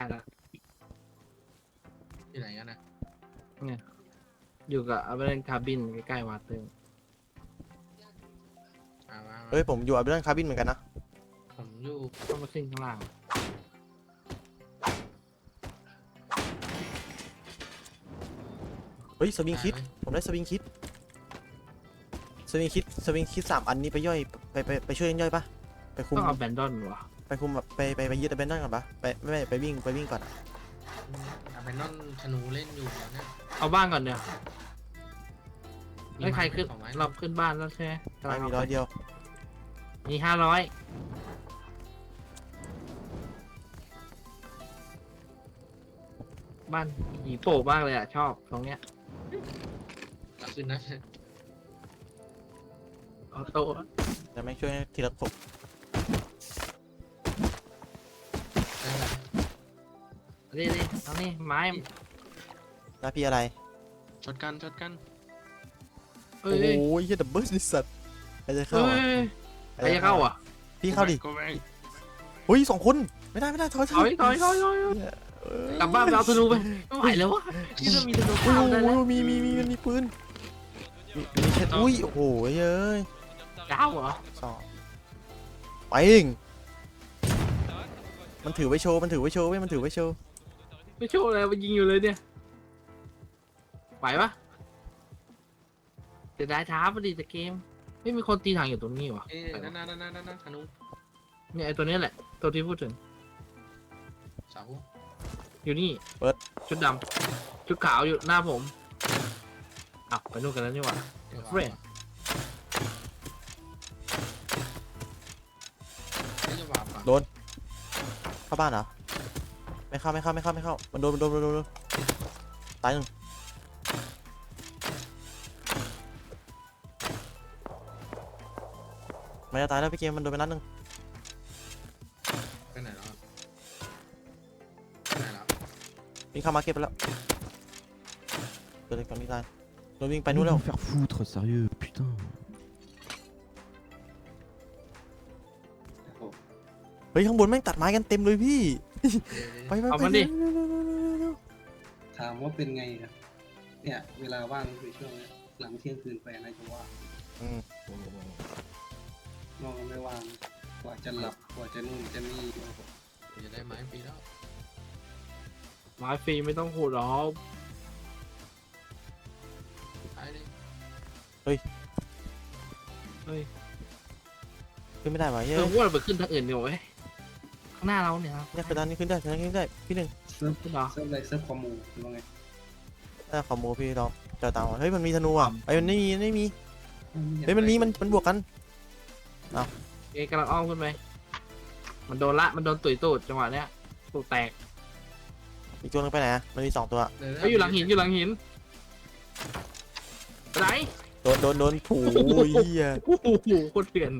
แล้วอยู่ไหนกันนะเนี่ยอยู่กับอัลเบรนคาบินใกล้ๆวาเตอร์เฮ้ยผมอยู่อัลเบรนคาบินเหมือนกันนะผมอยู่ต้องมาขึ้นข้างล่างเฮ้ยสวิงคิดผมได้สวิงคิด3 อันนี้ไปย่อยไปช่วยย่อยปะไปคุมต้องเอาแบนดอนวะไปคุมแบบไปยึดแบนนั่นก่อนปะไม่ไปวิ่งก่อนอาเบนนอนธนูเล่นอยู่นะเอาบ้านก่อนเดี๋ยวไม่ใครขึ้นของไม้เราขึ้นบ้านแล้วใช่ไหมไม่มี100 เดียวมี500บ้านหีโป่มากเลยอ่ะชอบตรงเนี้ยขึ้นนะออโต้จะไม่ช่วยทีละศพนี่เอานี่ไม้หน้าพี่อะไรช็อตกันเอ้โอ้ยยยัดดับเบิลสัตว์ใครจะเข้าเฮ้ยใครจะเข้าอ่ะพี่เข้าดิก็ไม่เฮ้ย2 คนไม่ได้ถอยถอยกลับบ้านไปเอาธนูไปไม่ไหวแล้ววะที่เรามีธนูโอ้เข้าได้แล้วยมีปืนมีแค่อุ้ยโอ้โหเอ้ยก้าวเหรอไปเองมันถือไว้โชว์เว้ยไม่โชว์อะไรมันยิงอยู่เลยเนี่ยไหวปะจะได้ท้าพอดีจะเกมไม่มีคนตีถังอยู่ตรงนี้วะนั่นธนูเนี่ยไอตัวนี้แหละตัวที่พูดถึงเสาอยู่นี่ชุดดำชุดขาวอยู่หน้าผมอ้าวไปนู่นกันแล้วนี่หว่า เฟรนไม่จะวาบโดนเข้าบ้านเหรอไม่เข้ามันโดนตาย1มันจะตายแล้วพี่เกมมันโดนไปนัด 1 ไปไหนแล้ววิ่งเข้ามาเก็บไปแล้วเกิดอะไรก่อนพี่ตายโดนวิ่งไปนู่นแล้ว Faire foutre, sérieux, putain. เฮ้ยข้างบนแม่งตัดไม้กันเต็มเลยพี่ไปเอามันดิถามว่าเป็นไงอะเนี่ยเวลาว่างคือช่วงนี้หลังเที่ยงคืนไปอะไรจะว่างอืมนอกจากไม่ว่างกว่าจะหลับกว่าจะนู่นจะนี่จะได้ไม้ปีแล้วไม้ฟรีไม่ต้องขูดหรอกตายเลยเฮ้ยขึ้นไม่ได้วะเฮ้ยว่าเราไปขึ้นทางอื่นดีกว่าเว้ยข้างหน้าเราเนี่ยครับเนี่ยคือด้านนี้ขึ้นได้พี่ 1 เซิร์ฟขึ้นเหรอเซิร์ฟอะไรเซิร์ฟคอมมูหรือว่าไงถ้าขอโมพี่ลองเจอตามเฮ้ยมันมีธนูอ่ะไอ้มันไม่มีเฮ้ยมันบวกกันเอกำลังอ้อมขึ้นไปมันโดนตุ๋ยตูดจังหวะเนี้ยตูดแตกอีกตัวนึงไปไหนอะมันมี2 ตัวเฮ้ยอยู่หลังหินไปไหนโดนผูเหี้ยโอ้โหโคตรเถื่อน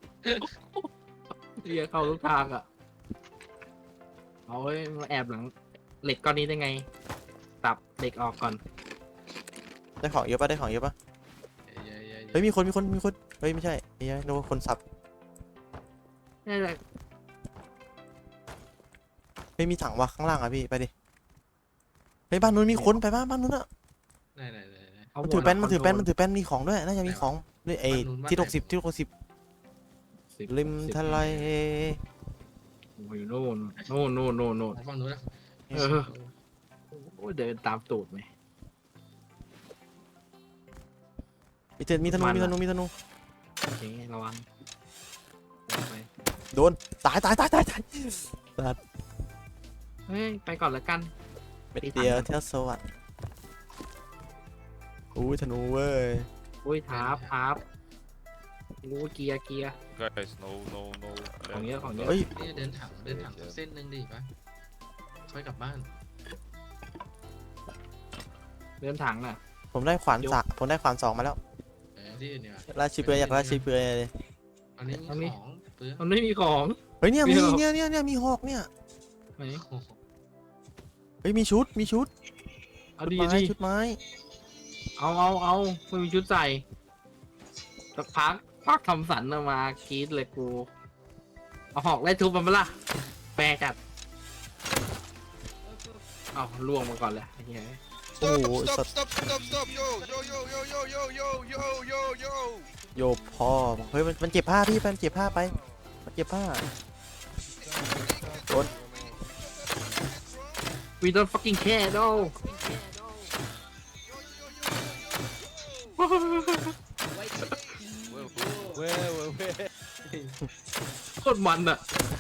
เรียเข้าทุกทางอ่ะเอาไว้มาแอบหลังเหล็กก้อนนี้ได้ไงตับเหล็กออกก่อนได้ของเยอะปะเฮ้ยมีคนเฮ้ยไม่ใช่เฮ้ยโดนคนสับนี่แหละเฮ้ยมีถังวะข้างล่างอ่ะพี่ไปดิเฮ้ยบ้านนู้นมีคนไปบ้านนู้นอ่ะไหนมันถือแป้นมีของด้วยน่าจะมีของนี่ไอ้ที่60ริมทะเลโอ้ยโน่นฟังนู้นนะโอ้ยเดินตามตูดไหมมีธนูโอเคระวังไปโดนตายเฮ้ยไปก่อนแล้วกันเดียวเที่ยวสวัสดิ์อุ้ยธนูเว้ยโอ้ยทับรู้เกียร์ Guys, no. ของเยอะเฮ้ยนี่เดินถังเส้นนึงดิปะค่อยกลับบ้านเดินถังอ่ะผมได้ขวาน2มาแล้วที่อื่นเนี่ยราชีเปลือยอยากราชีเปลือยเลยอันนี้มีของเปลือกมันไม่มีของเฮ้ยเนี่ยมีมีเหรอเนี่ยมีหอกเนี่ยไหนเฮ้ยมีชุดเอาดีชุดไม้เอาไม่มีชุดใส่สักพักทำสันออกมากรีดเลยกูเอาหอกไล่ทุบมันมาละแปรจัดเอาล่วงมาก่อนเลยไอ้เหี้ยโอ้โหสัตว์ stop yo yo yo yo yo yo yo yo yo yo โยบพ่อเฮ้ยมันเจ็บผ้าพี่มันเจ็บผ้าไปมันเจ็บผ้า we don't fucking care no เว้ยโคตรมันอะ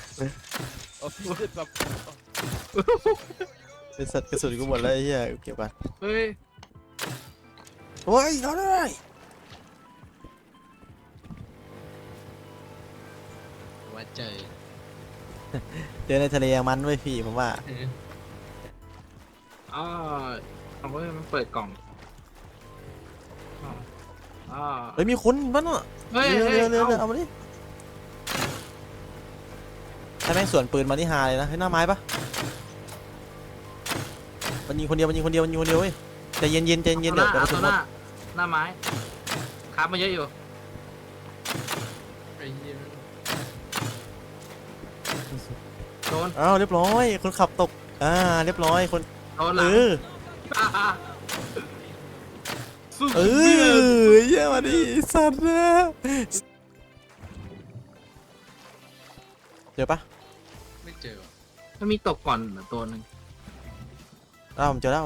เป็นสัตว์กระสุนกูหมดแล้วไอ้เหี้ยเก็บกันเฮ้ยโอ้ยเราได้ว่าเจอเจอในทะเลยังมันไว้ยพี่ผมว่าอ๋อเอาไว้มันเปิดกล่องอ๋อเฮ้ยมีคนบ้านเนาะเฮ้ยเรือเฮ้ยเรือเอาเอามาดิถ้าแม่งสวนปืนมาที่ฮาเลยนะให้หน้าไม้ปะมันยิงคนเดียวเว้ยใจเย็นเดี๋ยวกระเอาสุตันวหมดหน้าไม้ค้ามาเยอะอยู่ไอ้เหี้ยโดนอ้าวเรียบร้อยคนขับตกเรียบร้อยคนโดนหลัง สู้เออเยี่ยมาดิสัตว์นะเจอปะไม่เจอว่ะมันมีตกก่อนตัวหนึ่งผมเจอแล้ว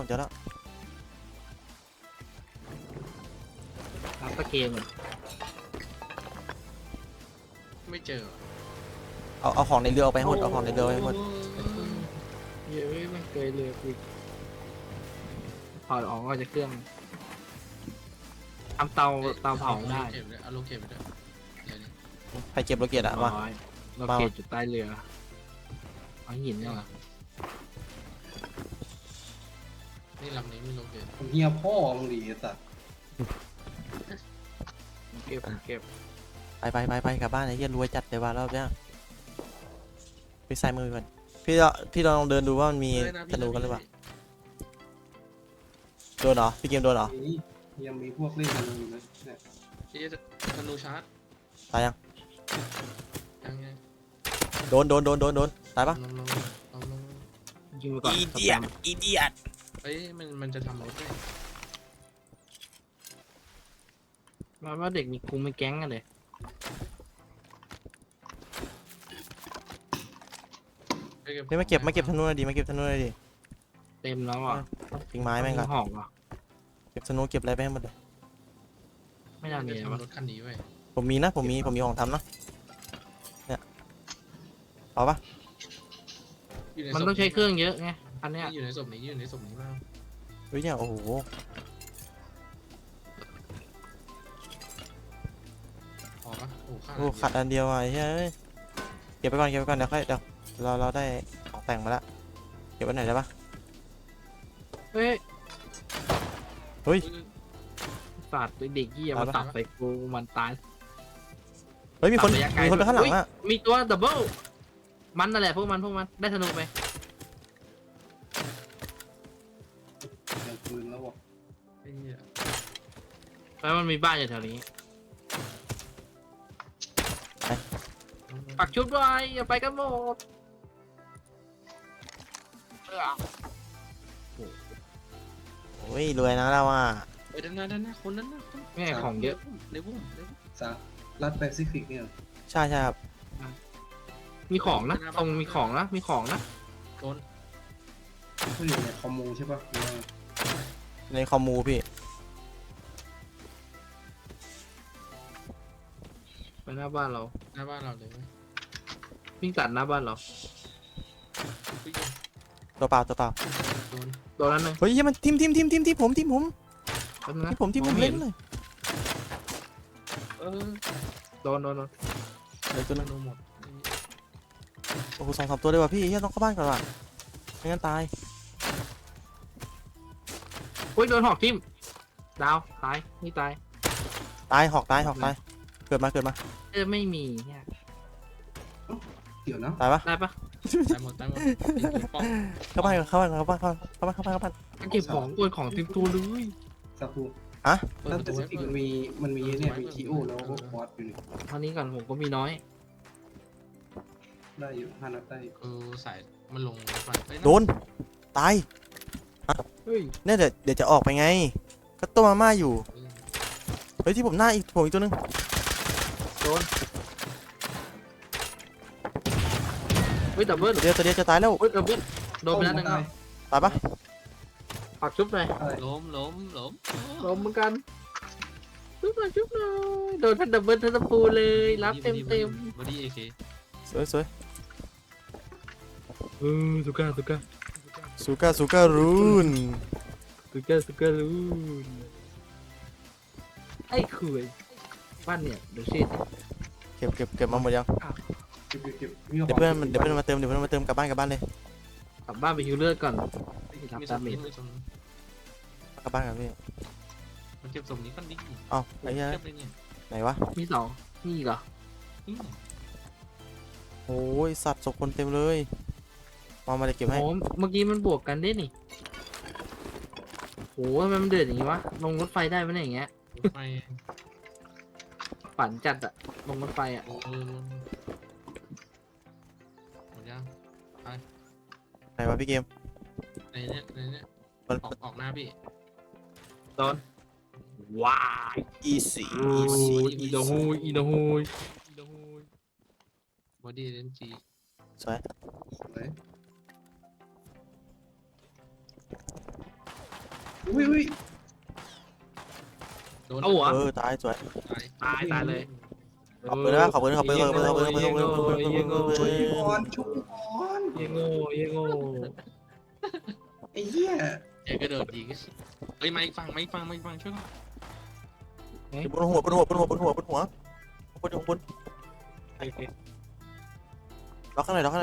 รับตะเกมเลยไม่เจอว่ะเอาของในเรือเอาไปให้หมดเอาของในเรือไปให้หมดเยอะมันเกยเรือกูถอดออกก็จะเครื่องทำเตาเผาได้เอาโลเก็บไปด้วยเดี๋ยวนี้ใครเก็บโลเกตอะมาร้อยเราเกตอยู่ใต้เรือเอาหินเนี่ยเหรอนี่ลำนี้ไม่โลเก็บผมเฮียพ่อมึงดีไอ้สัตว์เก็บไปกลับบ้านไอ้เหี้ยรวยจัดเลยว่ะรอบเนี้ยไปใส่มือก่อนพี่ลองเดินดูว่ามันมีธนูกันหรือเปล่าโดนเหรอพี่เกมโดนเหรอนี่ยังมีพวกเล่นกันอยู่นะเนี่ยเอ๊ะธนูชาร์จตายยังยังไงโดนตายปะลงยิงไปก่อนอีเดียดเอ้ยมันจะทำรถได้มาว่าเด็กมีกลุ่มมีแก๊งกันเลยนี่มาเก็บธนูหน่อยดิมาเก็บธนูหน่อยดิเต็มแล้วอ่ะทิ้งไม้แม่งก่อนหอกอ่ะเก็บธนูเก็บอะไรไปให้หมดเลยไม่น่ามีจะวะทำรถคันนี้ไว้ผมมีของทำนะเนี่ยเอาปะอยู่ในมันต้องใช้เครื่องเยอะไงอันเนี้ยอยู่ในศพนี้บ้างเฮ้ยเนี่ยโอ้โหพอปะโอ้ค่าโอ้ขัดอันเดียวอ่ะไอ้เฮ้ยเก็บไปก่อนเดี๋ยวค่อยเราได้ของแต่งมาแล้วเก็บไว้ไหนได้ปะเฮ้ยเฮ้ยศาสตร์เด็กยี่มาตับใส่กูมันตายเฮ้ยมีคนตัดระยะไกลไปข้างหลังอ่ะมีตัวดับเบิลมันนั่นแหละพวกมันได้ธนูไปเดี๋ยวปืนแล้วบอกไอ้เหี้ยแล้วมันมีบ้านอยู่แถวนี้ปักชุดไว้อย่าไปกันหมดโอ้ยรวยนะเราอ่ะเอ้ยด้านหน้าคนนั้นนะคนแม่ของเยอะในบุ้มสารัดแปซิฟิกเนี่ยใช่ครับมีของนะตรงมีของนะมีของนะโดนเขาอยู่ในคอมมูใช่ปะหรือว่าในคอมมูพี่ไปหน้าบ้านเราหน้าบ้านเราเลยไหมวิ่งตัดหน้าบ้านเราวิ่งตัวเปล่าโดนตัวนั้นหนึ่งเฮ้ยมันทีมผมแป๊บนึงนะที่ผมองไม่เล่ห็นเลยโดนเดี๋ยวตัวธนึงนูหมดโอ้โห2-3ตัวเลยว่ะพี่เฮียต้องเข้าบ้านก่อนว่ะไม่งั้นตายอุ้ยโดนหอกทิ่มดาวตายนี่ตายหอกตายเกิดมาไม่มีเนี่ยเดี๋ยวนะตายปะได้ปะตายหมดป้องเข้าบ้านเก็บของกวนของติดตัวเลยซาคูเปิดรัปดระแปตูซิฟิกมันมีเนี่ยมีทีโอแล้วก็คอร์สอยู่นี่เท่านี้ก่อนผมก็มีน้อยได้อยู่5 นัดได้อยู่สายมันลงไปโดนตายฮ้ยเนี่ยเดี๋ยวจะออกไปไง ก็ต้มมาม่าอยู่ เฮ้ยที่ผมหน้าอีกผมอีกตัวนึงโดนเฮ้ยดับเบิ้ลตัวเดียวจะตายแล้วเฮ้ยดับเบิ้ลโดนไปแล้วหนึงแล้วตายปะปักชุบหน่อยล้มล้มเหมือนกันชุบหน่อยโดนทั้งดับเบิ้ลทั้งตะปูเลยรับเต็มบอดี้เอเคสวยสุก้าซูก้ารูนลูนไอ้คุยบ้านเนี่ยเดี๋ยวชิดเก็บมาหมดยังเก็บมีเดี๋ยวเพื่อนมาเติมกลับบ้านเลยกลับบ้านไปฮิวเลือดก่อนมีสมนี้มีสมกลับบ้านกันพี่มันเก็บสมนี้กันดิเอ้าไอ้เหี้ยเก็บเลยเนี่ยไหนวะมีสองนี่อีกเหรอนี่โอ้ยสัตว์ศพคนเต็มเลยมาจะเก็บให้โอ้เมื่อกี้มันบวกกันได้นี่โอ้ทำไมมันเดือดอย่างงี้วะลงรถไฟได้ไหมเนี่ยอย่างเงี้ยรถไฟฝันจัดอะลงรถไฟอะหมดยังไหนวะพี่เกมในเนี้ยมันออกหน้าพี่โดนว้าย easy อีโดฮูยบอดี้เอ็นจีสวยอุ้ยโดนเอาหัวตายสวยตายเลยขอบคุณนะขอบคุณเยโง่ชุบก่อนเยโง่ไอ้เหี้ยเจ๊กระโดดยิงเฮ้ยไม่ฟังช่วยก่อนบนหัวล็อกข้างในเจอ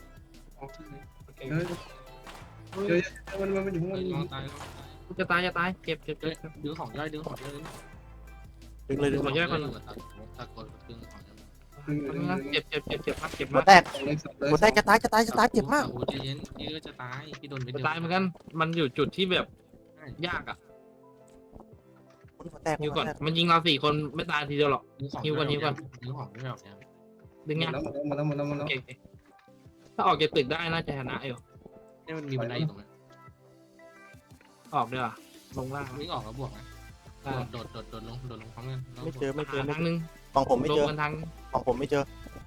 มันอยู่ข้างบนรอตายจะตายเก็บดึงของย่อยดึงเลยขอแยกก่อนตะโกนดึงของเก็บมากหัวแตกจะตายเจ็บมากโอ้ใจเย็นพี่ก็จะตายพี่โดนไปจะตายเหมือนกันมันอยู่จุดที่แบบยากอะหัวแตกฮิวก่อนมันยิงเรา4 คนไม่ตายทีเดียวหรอกดึงของไม่แบบเนี้ยดึงไงมาแล้วโอเคถ้าออกจากตึกได้น่าจะชนะอยู่นี่มันมีบันไดอยู่ตรงนั้นออกด้วยลงล่างวิ่งออกแล้วบวกนะโดดลงพร้อมกันไม่เจอทางนึงฝั่งผมไม่ลเจงอกันทางฝั่งผมไม่เจอ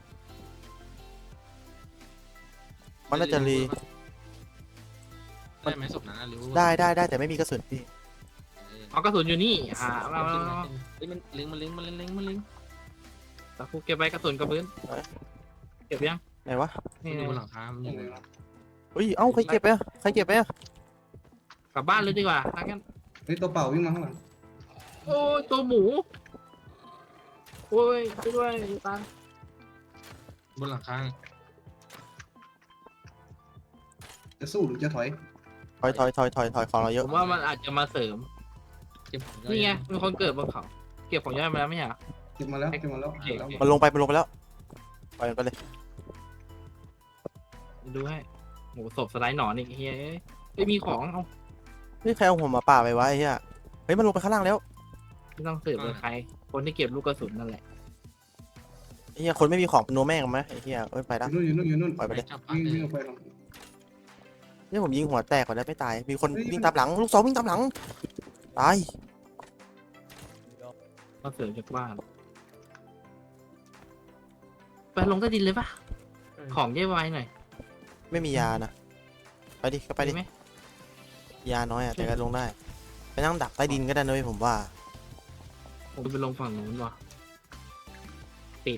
มันน่าจะรีได้ไหมศพนั้นหรือได้แต่ไม่มีกระสุนพี่เอากระสุนอยู่นี่เราเฮ้ยมันเล็งตะคุเก็บไปกระสุนกระพื้นเก็บยังไหนวะนี่อยู่บนหลังคามันอยู่เฮ้ยเอ้าใครเก็บไปอ่ะกลับบ้านเลยดีกว่าทางกันเฮ้ยตัวเปล่าวิ่งมาข้างหลังโอ้ยตัวหมูโอ้ยด้วยตาบนหลังคาจะสู้หรือจะถอยถอยของเราเยผอะมว่ามันอาจจะมาเสริมเก็บของนี่ไงมีคนเกิดบนเขาเก็บของย่อยมาแล้วไม่ใช่เหรอเก็บมาแล้วมันลงไปแล้วปล่อยมันไปเลยดูให้โหศพสไลด์หนอนอีกเฮ้ยไม่มีของเอานี่ใครเอาหัวหมาป่าไปไว้เฮียเฮ้ยมันลงไปข้างล่างแล้วไม่ต้องสืบเลยใคร คนที่เก็บลูกกระสุนนั่นแหละเฮียคนไม่มีของเป็นโนแม่งไหมไอ้เฮียเอ้ยไปละอยู่นู่นปล่อยไปเลยจับวิ่งออกไปเนี่ยผมยิงหัวแตกก่อนแล้วไม่ตายมีคนวิ่งตามหลังลูกศรวิ่งตามหลังตายก็เสริมจากบ้านไปลงใต้ดินเลยปะของเย่ไวหน่อยไม่มียานะไปดิก็ไปดิไหมยาน้อยอ่ะแต่ก็ลงได้ไปนั่งดักใต้ดินก็ได้นะเว้ยผมว่าผมไปลงฝั่งนู้นว่ะติด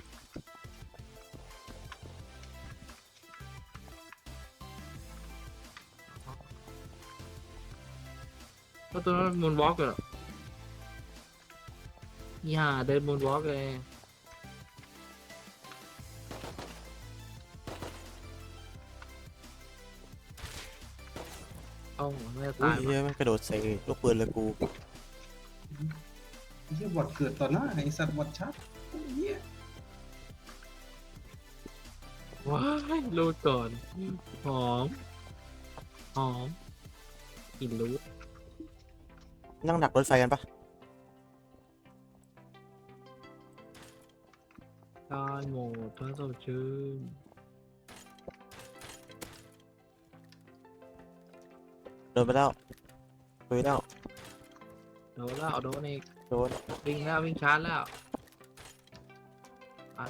ก็ตัวนั้นมูนวอล์กเหรออย่าเดินมูนวอล์กเลยเอ้าไม่อุ้ตาย ยเฮียมันกระโดดใส่ลูกปืนเลยกูเหี้ยบอดเกิดต่อหน้าไอ้สัตว์บอดชัดเหี้ยว้ายรูดก่อนหอมกินรูดนั่งดักรถไฟกันปะได้หมดถ้าสดชื่นเดินไปแล้วเฮ้ยแล้วโดนแล้วโดนอีกโดนวิ่งแล้ววิ่งชาร์จแล้วอ่ะ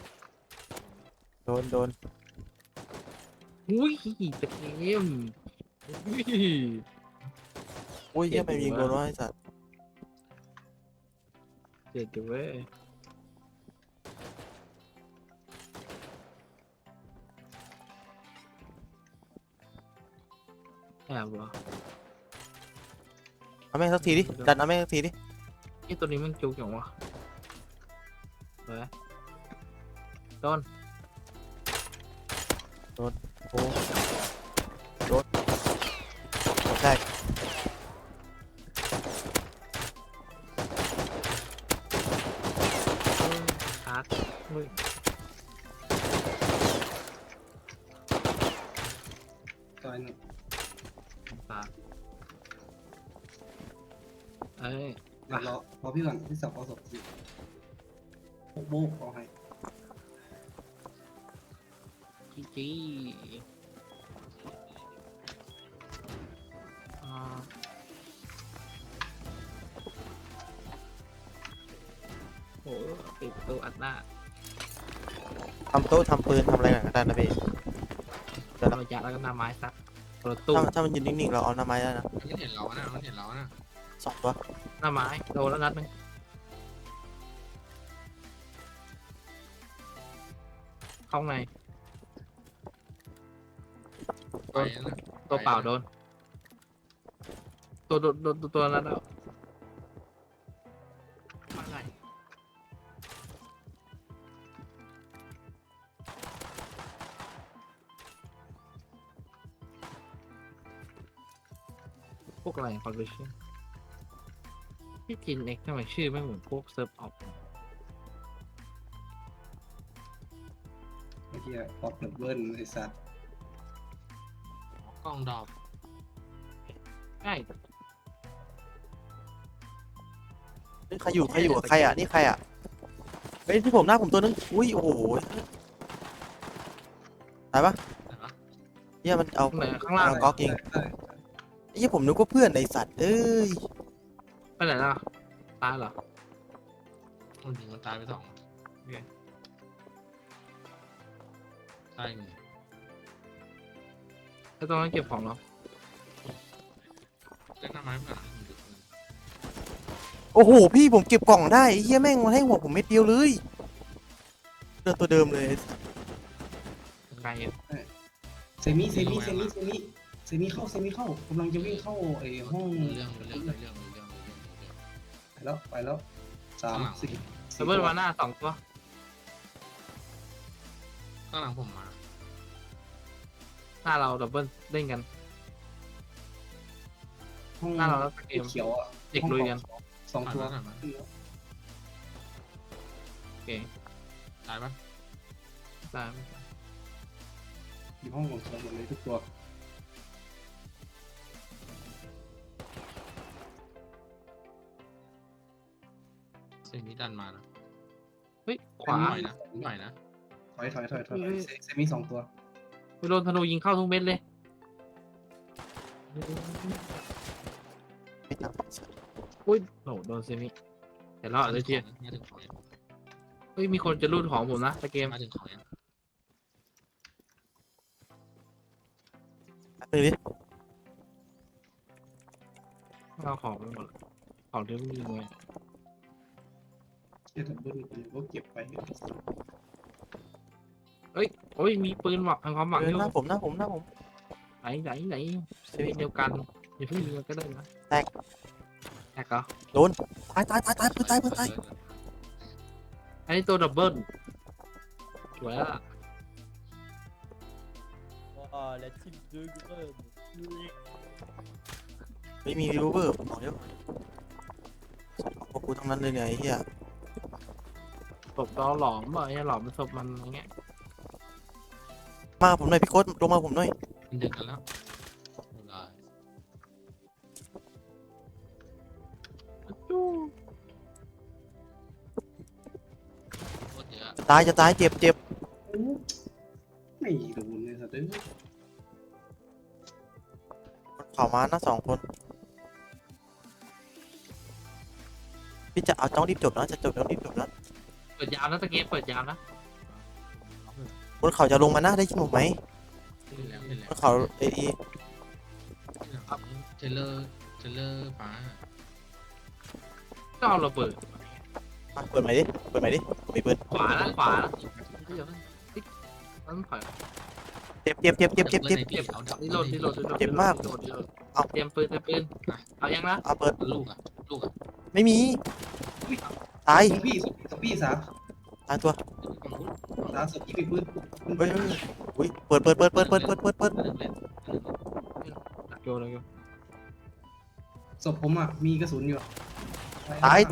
โดนอุ้ยตะเกมอุ้ยอุ้ยเหี้ยังไปยิงโดนวะไอ้สัตว์เจ็บอยู่เว้ยแอบวะเอาแม่งสักทีดิดันเอาแม่งสักทีดินี่ตัวนี้มันจุกอย่างวะเฮ้ยโดนโอ้โดนใช่ชาร์จเฮ้ยตอนนึงตาเอ้ยเดี๋ยวรอพี่ก่อนพี่สับเอาศพอยู่โบกเอาให้จีอ่าโอ้ปิดประตูอัดหน้าทำโต๊ะทำปืนทำอะไรกันก็ได้นะพี่เราจะแล้วก็หน้าไม้ซักประตูถ้ามันยืนนิ่งๆเราเอาหน้าไม้ได้นะมันเห็นเรานะมันเห็นเรานะ 2 ตัวหน้าไม้โดนแล้วนัดหนึงเข้าไงไปนะตัวเปล่าโดน ตัวนั้นแล้วอะไรพวกอะไรคอนเวอร์ชันที่กินเอ็กทำไมชื่อไม่เหมือนพวกเซิร์ฟออกไอ้เหี้ยป๊อปดับเบิ้ลไอ้สัตว์กล้องดอกใช่นี่ใครอยู่กับใครอ่ะนี่ใครอ่ะเฮ้ยที่ผมหน้าผมตัวนึงอุ้ยโอ้โหตายปะเห็นปะเหี้ยมันเอาตรงไหนข้างล่างก๊อกยิงได้ไอ้เหี้ยผมนึกว่าเพื่อนไอ้สัตว์เอ้ยไปไหนล่ะตายเหรอมันยิงมันตายไป2ตาย1 แล้วตรงนั้นเก็บของเหรอเล่นหน้าไม้ก่อนโอ้โหพี่ผมเก็บกล่องได้ไอ้เหี้ยแม่งมาให้หัวผมเม็ดเดียวเลยเดินตัวเดิมเลยไกลอยู่เซมิเข้ากำลังจะวิ่งเข้าไอ้ห้องเรื่องไปแล้ว3 4 ดับเบิลมาหน้า2 ตัวข้างหลังผมมาหน้าเราดับเบิลเล่นกันห้องหน้าเราแล้วเกมเขียวอ่ะเด็กลุยกัน 2 ตัวผ่านมาโอเคตายปะตามอยู่ห้องของเขียวหมดเลยทุกตัวเซมิดันมานะเฮ้ยขวาหน่อยนะถอยเซมิ2 ตัวไปโดนธนูยิงเข้าทุกเม็ดเลยไม่ตามอุ้ยโหโดนเซมิแต่รอดเลยเชียมาถึงของยังเฮ้ยมีคนจะรูดของผมนะตะเกมมาถึงของยังตื่นดิเอาของไปหมดของที่ไม่มีเลยเชี่ยดับเบิ้ลก็เก็บไปเฮ้ยโอ้ยมีปืนหวังความหวังอยู่หน้าผมไหนเซมิเดียวกันอย่าเพิ่งยิงกันก็ได้นะแตกเหรอตายปืนตายอันนี้ตัวดับเบิลสวยละไม่มีรีเวอร์ผมบอกเดี๋ยวพวกกูทั้งนั้นเลยเนี่ยไอ้เหี้ยศพเราหลอมอ่ะไอ้หลอมเป็นศพมันอย่างเงี้ยมาผมหน่อยพี่โค้ดลงมาผมหน่อยมันดึกกันแล้วได้จู้โคตรเยอะจะตายเจ็บไม่โดนเลยสัตว์เข่ามานะ2 คนจะเอาต้องรีบจบนะจะจบต้องรีบจบนะเปิดยาวนะตะเกียบเปิดยาวนะบนเขาจะลงมานะได้ยินผมไหมเห็นแล้วเห็นบแล้วนเขาเอเทเลอร์ฟ้าก็เอาระเบิดเปิดใหม่ดิเปิดใหม่ดิมีปืนขวานะขวานะเดี๋ยวต้องถอยเจ็บเก็บนี่โหลดเจ็บมาก เอาเตรียมปืนเอายังนะเอาเปิดลูกอ่ะไม่มีตายซอมบี้สาตายตัวสาศพที่มีปืนเฮ้ยอุ้ยเปิดโยนเลยศพผมอ่ะมีกระสุนอยู่ตาย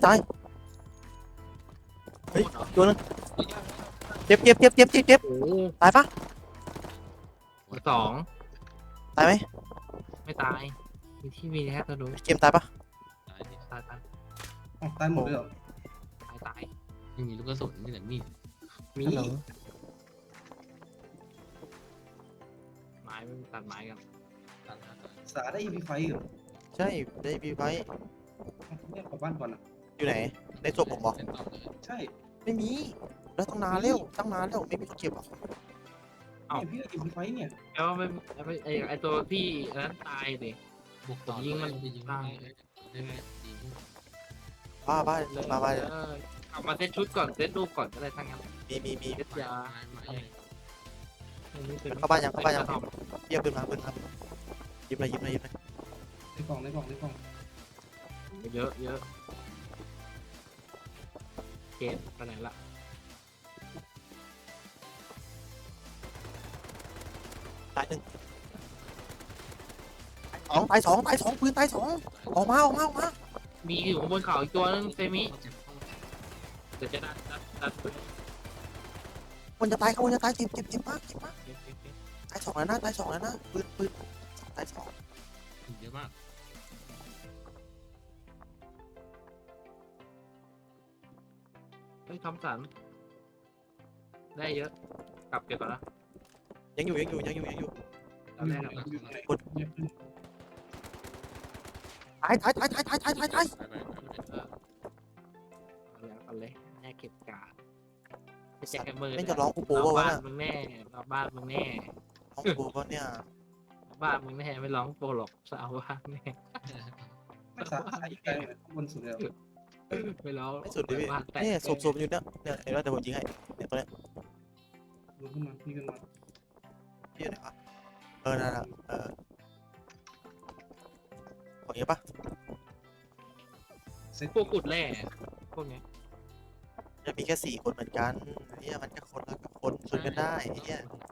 เฮ้ยตัวนึงเจ็บโอ้ตายปะสองตายไหมไม่ตายมีที่มีแค่ตัวดูเกมตายปะตายตายหมดเลยเหรอไม่มีลูกกระสุนมีแต่มีดมีฮัลโหลไม้ไม่ตัดไม้กันสาได้อีพีไฟเหรอใช่ได้บีไว้เนี่ยกลับบ้านก่อนอ่ะอยู่ไหนในศพผมบอกเป็นต่อเลยใช่ไม่มีแล้วตั้งนานแล้วไม่มีคนเก็บหรอกเนี่ยพี่อีพีไฟเนี่ยแล้วไม่ไอตัวที่นั้นตายดิบวกต่อยิงมันไปยิงตายได้ไหมยิงบ้าเอามาเซตชุดก่อนเซตรูปก่อนอะไรทั้งนั้นมีเซตยาเข้าบ้านยังเยี่ยมปืนมาหยิบเลยในกล่องเยอะเกมไปไหนละตายหนึ่งตายสองปืนตายสองออกมามีอยู่บนเขาอีกตัวนึงเซมิเดี๋ยวจะดันคนจะตายเจ็บมากตายสองแล้วนะปืนตายสองเยอะมากเฮ้ยทำสันได้เยอะกลับเก็บก่อนนะยังอยู่แล้วแรกตายเอาเลยแม่เก็บกาดแจกมือไม่จะร้องกูโป้วะบ้านน่ะมึงแน่บ้านมึงแน่ร้องกูโป้เนี่ยบ้านมึงแน่ไม่ร้องโปรหรอกสาวบ้านแน่ไม่สาอีกไกลเลยบนสุดเลยไม่ร้องไม่สุดเลยพี่บ้านแตกเนี่ยศพอยู่เนี่ยเห็นว่าเดี๋ยวผมยิงให้เนี่ยตัวเนี้ยดูขึ้นมานี่ขึ้นมาพี่อยู่ไหนวะนั่นแหละของเงี้ยปะเซ็ตพวกขุดแร่พวกเนี้ยจะมีแค่4 คนเหมือนกันเนี่ยมันก็คนละคนชนกันได้เนี่ย